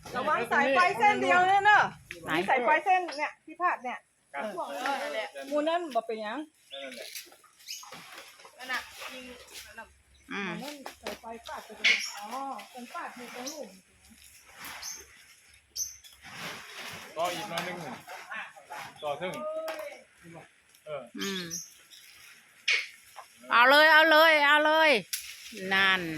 ระวังสายไฟเส้นเดียวเนี่ยเนอะมีสายไฟเส้นเนี่ยที่พาดเนี่ยมูนั่นบอกเป็นยังนั่นน่ะยิงนั่นสายไฟปาดไปตรงอ๋อเป็นปาดอยู่ตรงหลุมต่ออีกหน่อยนึงต่อถึงเอาเลยเอาเลยเอาเลยนั่น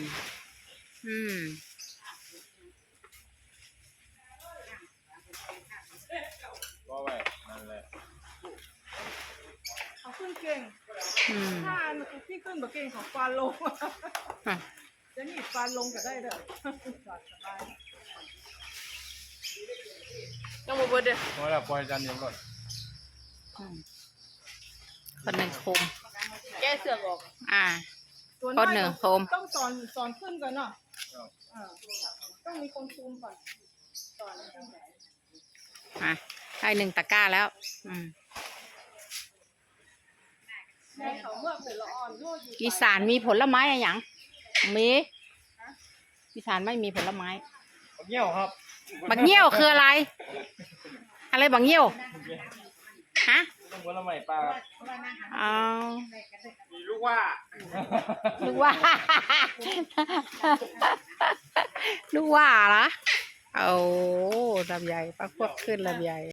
ก็ไว้นั่นแหละเขาขึ้นเก่งถ้าพี่ขึ้นแบบเก่งของฟานลงจะหนีฟานลงก็ได้เด้อต้องมาเบิดเด้อเพราะเราปล่อยจานเดียวก่อนคนหนึ่งคุมแกเสือกออกคนหนึ่งคุมต้องสอนขึ้นก่อนเนาะต้องมีคนคุมก่อนสอนได้หนึ่งตะกร้าแล้วอีสานมีผลไม้อะไรอย่างมีอีสานไม่มีผลไม้บักเงี้ยวครับบักเงี้ยวคืออะไรอะไรบักเงี้ยวฮะผลไม้ปลามีลูกว่าลูกว่าลูกว่าเหรอโอ้ลำไยปลาพวกขึ้นลำไย